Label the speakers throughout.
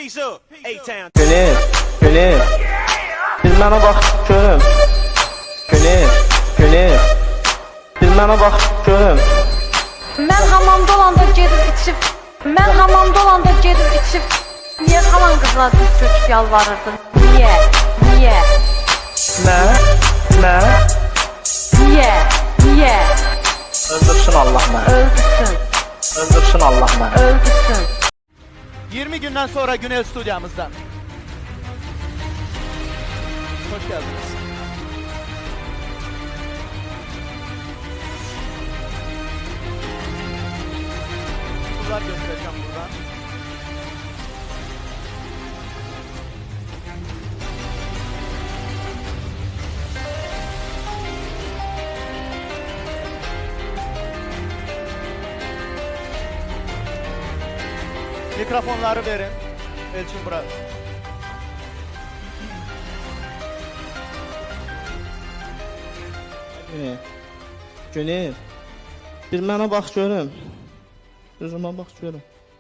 Speaker 1: Peace up, A-Town.
Speaker 2: Güney, bir mənə bax görüm. Güney, bir mənə bax görüm.
Speaker 3: Mən hamamda olanda gedib içib, niyə xalan qızlar diz çöküb yalvarırdın? Niyə? Niyə?
Speaker 2: Öldürsün Allah məni. Öldürsün Allah məni.
Speaker 3: Öldürsün.
Speaker 4: 20 gündən sonra Günel stüdyamızdan. Hoş geldiniz. Bunlar göstereceğim buradan. Mikrofonları verin. Elçin bura.
Speaker 2: Güney, bir mənə bax görüm. Üzümə bax görüm.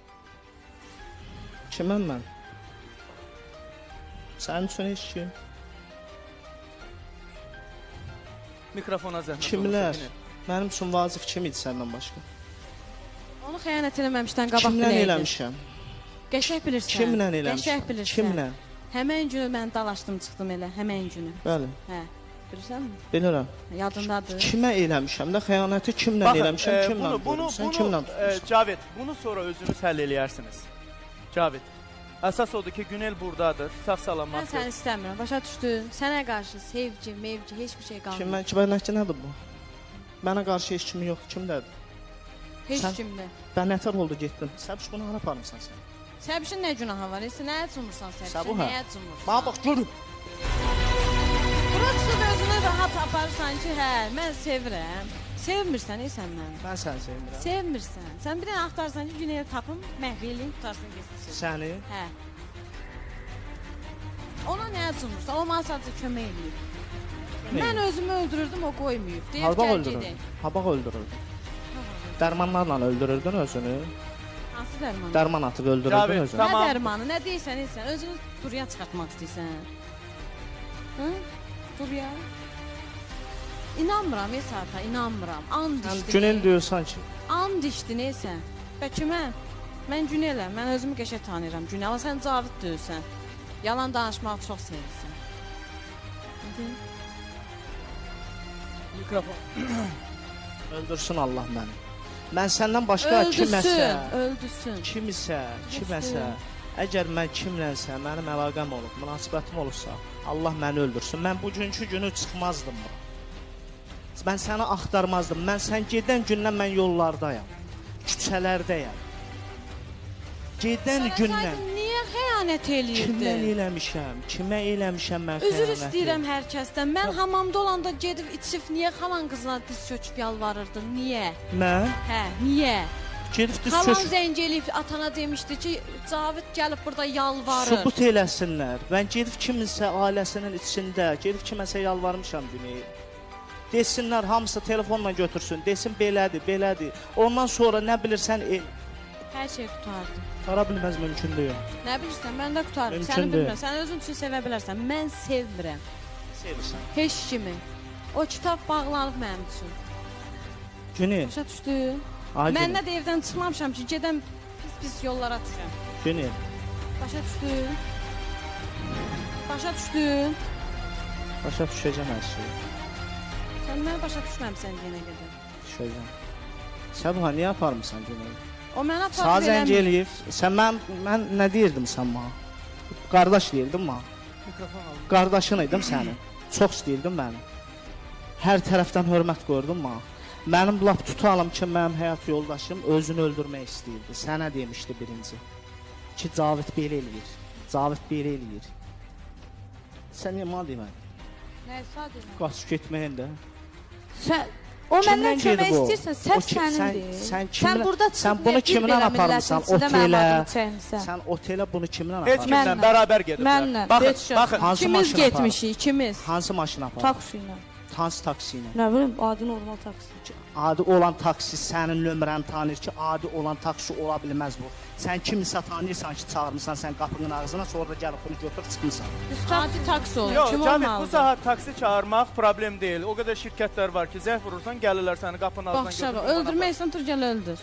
Speaker 2: Kiməm mən? Sənin üçün heç kim?
Speaker 4: Mikrofona zəhmət.
Speaker 2: Kimlər? Mənim üçün vazif kim idi səndən başqa?
Speaker 3: Onu xəyanət eləməmişdən qabaq
Speaker 2: Kimlə
Speaker 3: biləydin.
Speaker 2: eləmişəm?
Speaker 3: Qəşəng bilirsən.
Speaker 2: Kimlə eləmişəm?
Speaker 3: Qəşəng bilirsən.
Speaker 2: Kimlə?
Speaker 3: Həmən günü mən dalaşdım çıxdım elə, həmən günü.
Speaker 2: Bəli,
Speaker 3: Hə, bilirsənmi?
Speaker 2: bilirəm.
Speaker 3: Yadındadır.
Speaker 2: Kimə eləmişəm də xəyanəti kimlə eləmişəm, kimlə
Speaker 4: bunu
Speaker 2: kimlə tutmuşam?
Speaker 4: Cavit, bunu sonra özünüz həll eləyərsiniz. Cavit, əsas odur ki, Günel buradadır, sağ
Speaker 3: Mən
Speaker 4: salamat.
Speaker 3: səni istəmirəm, başa düşdün? Sənə qarşı sevgi, mevci, heç bir şey qalmır.
Speaker 2: Kim mən ki nədir bu? Mənə qarşı heç kimi yoxdur, kimdədir?
Speaker 3: Heç
Speaker 2: sən-
Speaker 3: kimdə.
Speaker 2: Bən nətər oldu getdin? Səbiş bunu hara aparmısan sən?
Speaker 3: Səbişin nə günahı var? Nəyə cumursan səbişin?
Speaker 2: Səbuhə.
Speaker 3: Nəyə cumursan?
Speaker 2: Bax bax görüm.
Speaker 3: Bura çıxıb özünü rahat aparırsan ki, hə, mən sevirəm. Sevmirsən, sən məni.
Speaker 2: Mən səni sevmirəm.
Speaker 3: Sevmirsən. Sən bir dənə axtarsan ki, Güney'i tapım, məhv eləyim, tutarsın getsin.
Speaker 2: Səni?
Speaker 3: Hə. Ona nəyə cumursan? O mənə sadəcə kömək eləyib. Mən özümü öldürürdüm, o qoymayıb. Deyir,
Speaker 2: Habaq
Speaker 3: gəl
Speaker 2: öldürürdün.
Speaker 3: gedək.
Speaker 2: Habaq öldürürdün. Dərmanlarla öldürürdün özünü.
Speaker 3: Hansı dərman?
Speaker 2: Dərman atıb öldürürdün
Speaker 4: Cavit,
Speaker 2: özünü.
Speaker 4: tamam.
Speaker 3: Nə dərmanı, nə deyirsən, özünü duruya çıxartmaq istəyirsən. Hı? Duruya. İnanmıram, Esata, inanmıram. And
Speaker 2: Sən
Speaker 3: içdi.
Speaker 2: Günel diyorsan ki,
Speaker 3: And içdi, neysə. Bəlkə mən Güneləm, mən özümü qəşəng tanıyıram Günel. Amma sən Cavid deyirsən. Yalan danışmağı çox sevirsən.
Speaker 4: Mikrofon.
Speaker 2: öldürsün Allah məni. Mən səndən başqa kiməsə,
Speaker 3: Öldürsün.
Speaker 2: kiməsə, əgər mən kimlənsə, mənim əlaqəm olub, münasibətim olursa, Allah məni öldürsün. Mən bugünkü günü çıxmazdım bura. Mən səni axtarmazdım. Mən sən gedən gündən mən yollardayam. Küçələrdəyəm. Gedən gündən
Speaker 3: Niyə xəyanət
Speaker 2: kimdən
Speaker 3: eləyirdin?
Speaker 2: eləmişəm? Kimə eləmişəm mən xəyanəti?
Speaker 3: Üzr istəyirəm hər kəsdən. Mən hamamda olanda gedib içib niyə xalan qızlar diz çöküb yalvarırdın? Niyə?
Speaker 2: Mən
Speaker 3: Hə, niyə?
Speaker 2: gedib diz
Speaker 3: Xalan
Speaker 2: çöküb
Speaker 3: zəng eləyib atana demişdi ki, Cavid gəlib burada yalvarır.
Speaker 2: sübut eləsinlər. Mən gedib kiminsə ailəsinin içində, gedib kiməsə yalvarmışam Güney. Desinlər hamısı telefonla götürsün, desin belədir. Ondan sonra nə bilirsən
Speaker 3: Hər şey qutardı.
Speaker 2: qara bilməz mümkün deyil.
Speaker 3: Nə bilirsən, mən də qutarım.
Speaker 2: Mümkün
Speaker 3: Səni
Speaker 2: deyil.
Speaker 3: bilmirəm. Sən özün üçün sevə bilərsən. Mən sevmirəm.
Speaker 2: Sevirsən.
Speaker 3: Heç kimi. O kitab bağlanıb mənim üçün.
Speaker 2: Güney,
Speaker 3: Başa düşdün?
Speaker 2: ay
Speaker 3: Mən
Speaker 2: Güney,
Speaker 3: nə də evdən çıxmamışam ki, gedəm pis yollara düşəm.
Speaker 2: Güney.
Speaker 3: Başa düşdün? Başa düşdün?
Speaker 2: Başa düşəcəm hər şeyi.
Speaker 3: Sən məni başa düşməmsən yenə qədər.
Speaker 2: Düşəcəm. Səbuha niyə aparmısan Güney?
Speaker 3: O mənə
Speaker 2: Sağ
Speaker 3: aparıb
Speaker 2: zəng
Speaker 3: eləmir.
Speaker 2: eləyib. Sən mən nə deyirdim sən bana? Qardaş deyirdim bana.
Speaker 4: Mikrofon al.
Speaker 2: Qardaşın idim sənin. Çox istəyirdin məni. Hər tərəfdən hörmət gördün bana. Mənim lap tutalım ki, mənim həyat yoldaşım özünü öldürmək istəyirdi. Sənə demişdi birinci. Ki, Cavid belə eləyir. Cavid belə eləyir. Sən niyə mənə demədin?
Speaker 3: Nə sadəcə?
Speaker 2: Qaçıb getməyin də.
Speaker 5: Sən o
Speaker 2: Kimdən
Speaker 5: məndən kömək
Speaker 2: gedib o?
Speaker 5: istəyirsən,
Speaker 2: O
Speaker 5: səhv
Speaker 2: ki-
Speaker 5: sənindir.
Speaker 2: sən
Speaker 5: Sən
Speaker 2: kimlə-
Speaker 5: burada
Speaker 2: sən
Speaker 5: çıxıb
Speaker 2: bunu
Speaker 5: bir
Speaker 2: kimlə
Speaker 5: belə
Speaker 2: aparmısan?
Speaker 5: millətin içində
Speaker 2: Otelə.
Speaker 5: mənim adımı çəkmisən.
Speaker 2: Sən otelə bunu kimlə
Speaker 4: Heç
Speaker 2: aparırsan?
Speaker 4: kimlə
Speaker 5: Mənlə.
Speaker 4: bərabər gediblər.
Speaker 5: Mənlə.
Speaker 4: Baxın,
Speaker 5: Heç şəxs.
Speaker 4: baxın.
Speaker 2: Hansı
Speaker 3: İkimiz
Speaker 2: maşına
Speaker 3: getmişik, ikimiz.
Speaker 2: Hansı maşına aparır?
Speaker 5: Taksi ilə.
Speaker 2: Hansı taksi ilə?
Speaker 5: Nə bilim, adi normal taksi.
Speaker 2: Adi olan taksi sənin nömrəni tanıyır ki, adi olan taksi ola bilməz bu. Sən kimisə tanıyırsan ki, çağırmısan sən qapının ağzına, sonra da gəlib bunu götürüb çıxmısan.
Speaker 3: Adi taksi olur.
Speaker 4: Yox,
Speaker 3: Kim
Speaker 4: Cavit, bu
Speaker 3: olmalıdır?
Speaker 4: saat taksi çağırmaq problem deyil. O qədər şirkətlər var ki, zəng vurursan, gəlirlər səni qapının ağzından
Speaker 3: Bax şaba,
Speaker 4: götürüb.
Speaker 3: öldürməksən tur gəl öldür.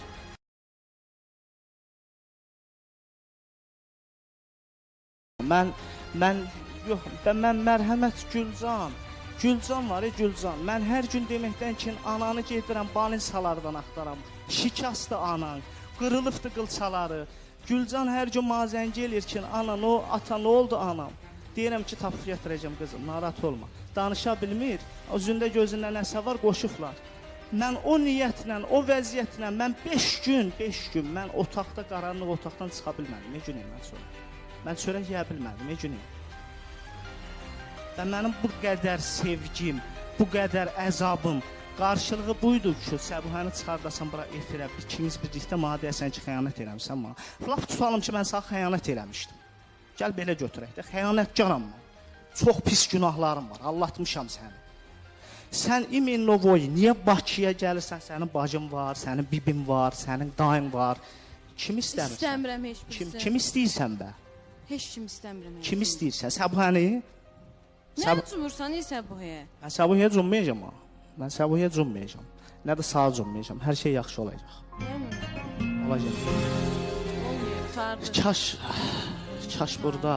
Speaker 2: Mən mərhəmət Gülcan var, Gülcan. Mən hər gün deməkdən ki, ananı gedirəm balinsalardan axtaram. Şikastı anan, qırılıbdı qılçaları. Gülcan hər gün mazən gelir ki, ata nə oldu anam? Deyirəm ki, tapıb gətirəcəm qızım, narahat olma. Danışa bilmir, özündə gözündə nəsə var, qoşublar. Mən o niyyətlə, o vəziyyətlə, mən 5 gün, mən otaqda, qaranlıq otaqdan çıxa bilmədim. Ne günəyim mən sonra? Mən çörək yeyə bilmədim, ne günəyim? Və mənim bu qədər sevgim, bu qədər əzabım, qarşılığı buydu ki, Səbuhəni çıxardasan bura efirə, ikimiz birlikdə mənə deyəsən ki, xəyanət eləmişsən mənə. Laf tutalım ki, mən sənə xəyanət eləmişdim. Gəl belə götürək də, xəyanətkaram mən. Çox pis günahlarım var, allatmışam səni. Sən İminnovoy, niyə Bakıya gəlirsən, sənin bacın var, sənin bibin var, sənin dayın var. Kim istəmirsən?
Speaker 3: İstəmirəm heç birisi.
Speaker 2: Kim istəyirsən bə?
Speaker 3: Heç kim istəmirəm.
Speaker 2: Kim istəyirsən? Səbuhəni?
Speaker 3: Nə cumursan, isə bu he?
Speaker 2: Mən Səbuhiyə cummayacam ha. Mən Səbuhiyə cummayacam. Nə də sağa cummayacam. Hər şey yaxşı olacaq. Olacaq.
Speaker 3: Olmuyor, tutardı.
Speaker 2: Kaş burada.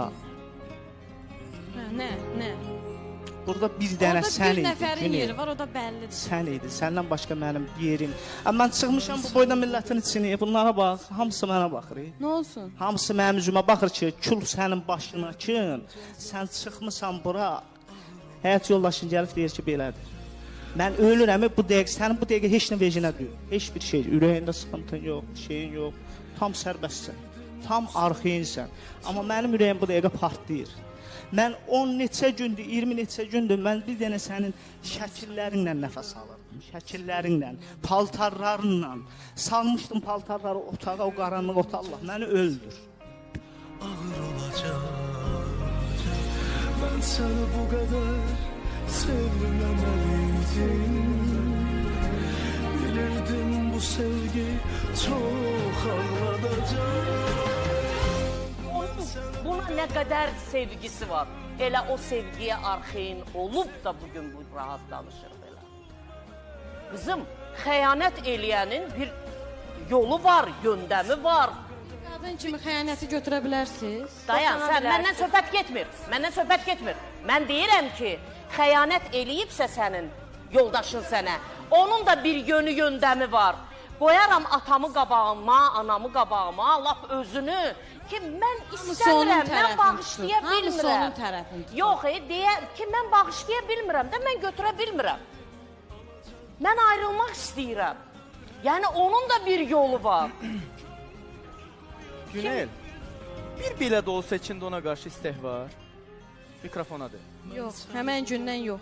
Speaker 3: Nə?
Speaker 2: Burada bir dənə sən
Speaker 3: Orada bir
Speaker 2: idin.
Speaker 3: nəfərin yeri var, o da bəllidir.
Speaker 2: Sən idin. Səndən başqa mənim yerim. Amma mən çıxmışam bu boyda millətin içini. Bunlara bax. Hamısı mənə baxır.
Speaker 3: Nə olsun?
Speaker 2: Hamısı mənim üzümə baxır ki, kül sənin başına kin. Sən çıxmısan bura. Həyat yoldaşın gəlib deyir ki, belədir. Mən ölürəm, bu dəqiqə, sənin bu dəqiqə heç nə vecinə deyil. Heç bir şey, ürəyində sıxıntın yox, şeyin yox. Tam sərbəstsən, tam arxayinsən. Amma mənim ürəyim bu dəqiqə partlayır. Mən 10 neçə gündür, 20 neçə gündür, mən bir dənə sənin şəkillərinlə nəfəs alırdım. Şəkillərinlə, paltarlarınla. Salmışdım paltarları otağa, o qaranlıq otağa. Allah məni öldür.
Speaker 1: Ağır olacaq. Mən səni bu qədər sevməməliydim. Bilirdim bu sevgi çox ağladacaq.
Speaker 6: Buna nə qədər sevgisi var. Elə o sevgiyə arxeyin olub da bugün bu rahat danışır belə. Qızım, xəyanət eləyənin bir yolu var, göndəmi var.
Speaker 3: Qadın kimi xəyanəti götürə bilərsiniz.
Speaker 6: Dayan, sən məndən söhbət getmir. Mən deyirəm ki, xəyanət eləyibsə sənin yoldaşın sənə, onun da bir yönü, göndəmi var. Qoyaram atamı qabağıma, anamı qabağıma, lap özünü ki, mən istəmirəm, mən bağışlaya bilmirəm.
Speaker 3: Hamısı onun tərəfini tutur.
Speaker 6: Yox, deyər ki, mən bağışlaya bilmirəm də, mən götürə bilmirəm. Mən ayrılmaq istəyirəm. Yəni, onun da bir yolu var.
Speaker 4: Günel, bir belə də olsa içində ona qarşı istək var. Mikrofona de.
Speaker 3: Yox, həmən gündən yox.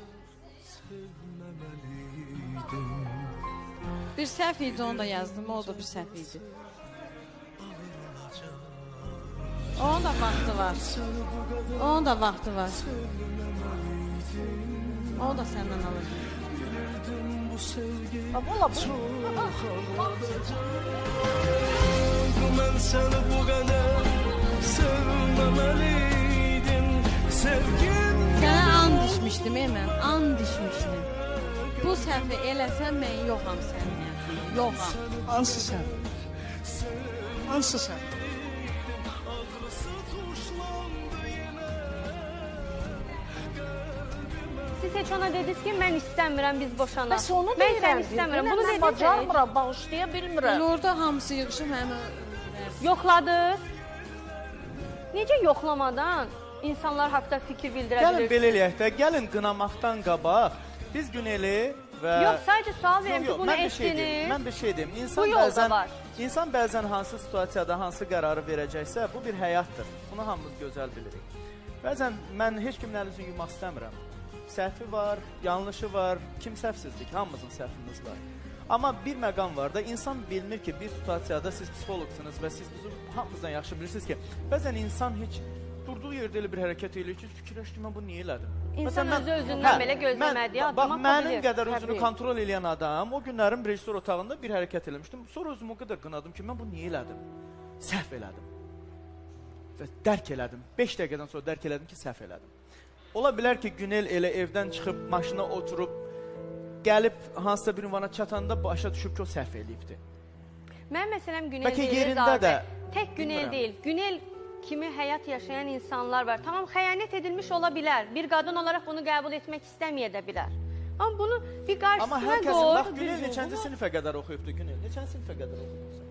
Speaker 3: Bir səhv idi, onu da yazdım, o da bir səhv idi. Onun da vaxtı var. Onun da vaxtı var. O da səndən alır.
Speaker 6: Ola bu.
Speaker 1: Mən səni bu qədər sevməməliydim. Sevgim
Speaker 3: Sənə and içmişdim, mən and içmişdim. Bu səhvi eləsən, mən yoxam sənin yanında. Yoxam.
Speaker 2: Hansı sən? Hansı sən?
Speaker 7: Siz heç ona dediniz ki, mən istəmirəm, biz boşanaq.
Speaker 6: Bəs onu
Speaker 7: mən
Speaker 6: deyirəm.
Speaker 7: səni istəmirəm. Bunu
Speaker 6: Mən
Speaker 7: dediniz.
Speaker 6: bacarmıram, bağışlaya bilmirəm.
Speaker 3: Elə orada hamısı yığışıb həmin
Speaker 7: Yoxladınız. Necə yoxlamadan insanlar haqda fikir bildirə
Speaker 4: Gəlin
Speaker 7: bilirsiniz?
Speaker 4: belə eləyək də, gəlin qınamaqdan qabaq biz Güneli və
Speaker 7: Yox, sadəcə sual verirəm ki, bunu
Speaker 4: mən bir şey deyim.
Speaker 7: etdiniz.
Speaker 4: Mən bir şey deyim.
Speaker 7: Bu yolda var.
Speaker 4: İnsan bəzən hansı situasiyada hansı qərarı verəcəksə, bu bir həyatdır. Bunu hamımız gözəl bilirik. Bəzən mən heç kimlə üzün yumaq istəmirəm. Səhvi var, yanlışı var, kim səhvsizdir ki, hamımızın səhvimiz var. Amma bir məqam var da, insan bilmir ki, bir situasiyada siz psixologsunuz və siz bizim hamımızdan yaxşı bilirsiniz ki, bəzən insan heç durduğu yerdə elə bir hərəkət eləyir ki, fikirləş ki, mən bunu niyə elədim?
Speaker 7: İnsan
Speaker 4: Məsələn,
Speaker 7: özü özündən belə gözləmədiyi
Speaker 4: bax,
Speaker 7: addım ata
Speaker 4: mənim
Speaker 7: bilir.
Speaker 4: qədər özünü
Speaker 7: Təbii.
Speaker 4: kontrol edən adam, o günlərim rejissor otağında bir hərəkət eləmişdim. Sonra özümü o qədər qınadım ki, mən bunu niyə elədim? Səhv elədim. Və dərk elədim. 5 dəqiqədən sonra dərk elədim ki, səhv elədim. Ola bilər ki, Günel elə evdən çıxıb, maşına oturub, gəlib hansısa bir ünvana çatanda başa düşüb ki, o səhv eləyibdi.
Speaker 7: Mən məsələn Günel
Speaker 4: Bəlkə
Speaker 7: deyil,
Speaker 4: yerində
Speaker 7: Zadə.
Speaker 4: də,
Speaker 7: Tək Günel
Speaker 4: bilmirəm.
Speaker 7: deyil. Günel kimi həyat yaşayan insanlar var. Tamam, xəyanət edilmiş ola bilər. Bir qadın olaraq bunu qəbul etmək istəməyə də bilər. Amma bunu bir
Speaker 4: Amma
Speaker 7: qarşısına
Speaker 4: hər kəsin,
Speaker 7: qoy.
Speaker 4: bax Günel neçənci sinifə qədər oxuyubdu Günel? Neçənci sinifə qədər oxuyubdu?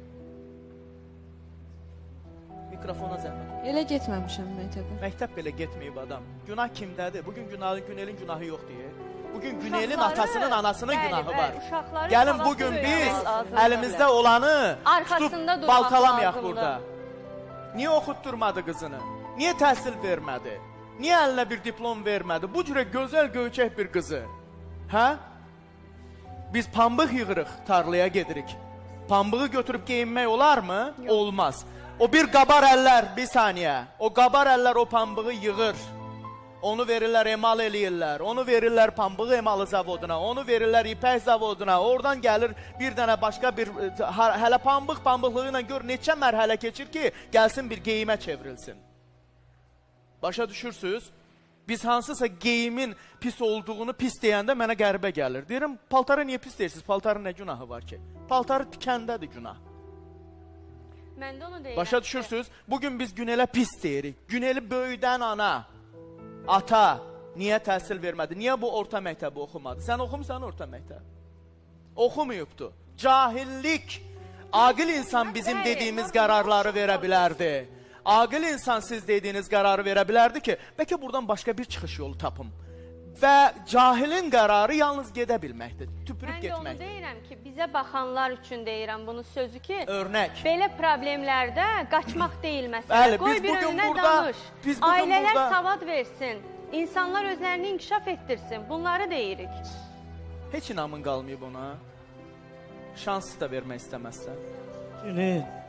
Speaker 4: Mikrofona zəhmət.
Speaker 3: Elə getməmişəm məktəbə.
Speaker 4: Məktəb belə getməyib adam. Günah kimdədir? Bugün Günelin günahı yoxdur. Bugün Günelin
Speaker 7: Uşaqları,
Speaker 4: atasının, anasının
Speaker 7: bəli,
Speaker 4: günahı
Speaker 7: bəli,
Speaker 4: var.
Speaker 7: uşaqları
Speaker 4: Gəlin
Speaker 7: savadlı
Speaker 4: bugün biz
Speaker 7: böyümək lazımdır.
Speaker 4: əlimizdə olanı
Speaker 7: Arxasında
Speaker 4: tutub
Speaker 7: durmaq
Speaker 4: baltalamayaq
Speaker 7: lazımdır.
Speaker 4: burada. Niyə oxutturmadı qızını? Niyə təhsil vermədi? Niyə əlinə bir diplom vermədi? Bu cürə gözəl göyçək bir qızı. Hə? Biz pambıq yığırıq, tarlaya gedirik. Pambığı götürüb geyinmək olarmı? Olmaz. O bir qabar əllər, bir saniyə. O qabar əllər o pambığı yığır. Onu verirlər, emal eləyirlər. Onu verirlər pambıq emalı zavoduna. Onu verirlər ipək zavoduna. Oradan gəlir bir dənə başqa bir hələ pambıqlığı ilə gör neçə mərhələ keçir ki, gəlsin bir geyimə çevrilsin. Başa düşürsünüz? Biz hansısa geyimin pis olduğunu pis deyəndə mənə qəribə gəlir. Deyirəm, paltarı niyə pis deyirsiniz? Paltarın nə günahı var ki? Paltarı tikəndədir günah.
Speaker 7: Mən də onu deyirəm.
Speaker 4: Başa düşürsünüz? Bugün biz Günelə pis deyirik. Güneli böyüdən ana, ata niyə təhsil vermədi? Niyə bu orta məktəbi oxumadı? Sən oxumusan orta məktəb? Oxumuyubdu. Cahillik. Aqil insan bizim dediyimiz qərarları verə bilərdi. Aqil insan siz dediyiniz qərarı verə bilərdi ki, bəlkə buradan başqa bir çıxış yolu tapım. Və cahilin qərarı yalnız gedə bilməkdir, tüpürüb
Speaker 7: Mən də onu
Speaker 4: getməkdir.
Speaker 7: deyirəm ki, bizə baxanlar üçün deyirəm bunu sözü ki,
Speaker 4: Örnək.
Speaker 7: belə problemlərdə qaçmaq deyil məsələ.
Speaker 4: Bəli,
Speaker 7: Qoy
Speaker 4: biz
Speaker 7: bir
Speaker 4: bugün
Speaker 7: önünə
Speaker 4: burada-
Speaker 7: danış.
Speaker 4: biz bugün
Speaker 7: Ailələr
Speaker 4: burada-
Speaker 7: savad versin. İnsanlar özlərini inkişaf etdirsin. Bunları deyirik.
Speaker 4: Heç inamın qalmayıb ona. Şans da vermək istəməzsən.
Speaker 2: Günel,